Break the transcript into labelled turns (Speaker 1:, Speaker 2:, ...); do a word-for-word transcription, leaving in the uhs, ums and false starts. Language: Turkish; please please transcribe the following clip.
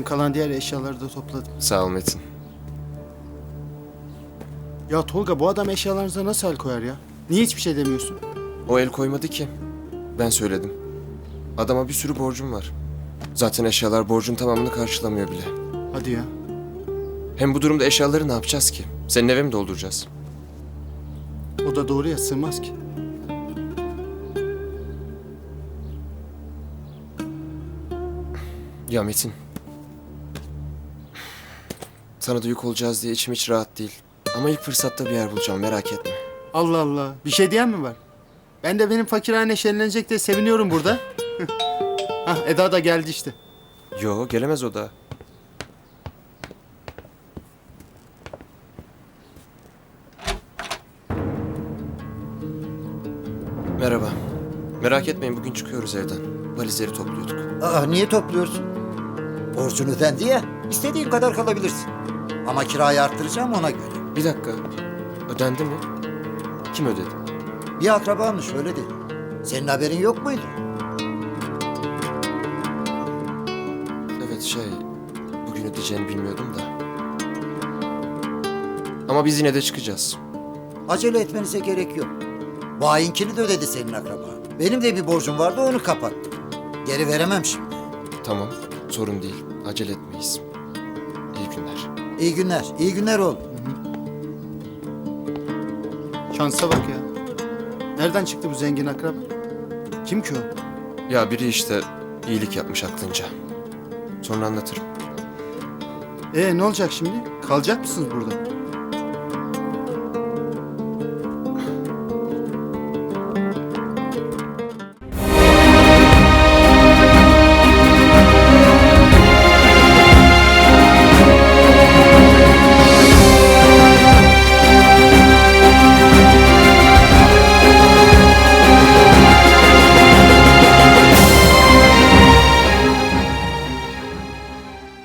Speaker 1: Ben kalan diğer eşyaları da topladım.
Speaker 2: Sağ ol Metin.
Speaker 1: Ya Tolga, bu adam eşyalarınıza nasıl el koyar ya? Niye hiçbir şey demiyorsun?
Speaker 2: O el koymadı ki. Ben söyledim. Adama bir sürü borcum var. Zaten eşyalar borcun tamamını karşılamıyor bile.
Speaker 1: Hadi ya.
Speaker 2: Hem bu durumda eşyaları ne yapacağız ki? Senin eve mi dolduracağız?
Speaker 1: O da doğru ya, sığmaz ki.
Speaker 2: Ya Metin. Sana da yük olacağız diye içim hiç rahat değil. Ama ilk fırsatta bir yer bulacağım, merak etme.
Speaker 1: Allah Allah. Bir şey diyen mi var? Ben de benim fakirhane şenlenecek diye seviniyorum burada. Hah, Eda da geldi işte.
Speaker 2: Yo, gelemez o da. Merhaba. Merak etmeyin, bugün çıkıyoruz evden. Valizleri topluyorduk.
Speaker 3: Aa, niye topluyorsun? Borcun ödendi ya, istediğin kadar kalabilirsin. Ama kirayı arttıracağım ona göre.
Speaker 2: Bir dakika. Ödendi mi? Kim ödedi?
Speaker 3: Bir akrabanmış öyle dedi. Senin haberin yok muydu?
Speaker 2: Evet şey, bugün ödeyeceğini bilmiyordum da. Ama biz yine de çıkacağız.
Speaker 3: Acele etmenize gerek yok. Bu ayinkini de ödedi senin akraba. Benim de bir borcum vardı, onu kapattım. Geri veremem şimdi.
Speaker 2: Tamam, sorun değil. Acele etmeyiz. İyi günler.
Speaker 3: İyi günler, iyi günler oğlum.
Speaker 1: Şansa bak ya. Nereden çıktı bu zengin akraba? Kim ki o?
Speaker 2: Ya biri işte iyilik yapmış aklınca. Sonra anlatırım.
Speaker 1: Ee, ne olacak şimdi? Kalacak mısınız burada?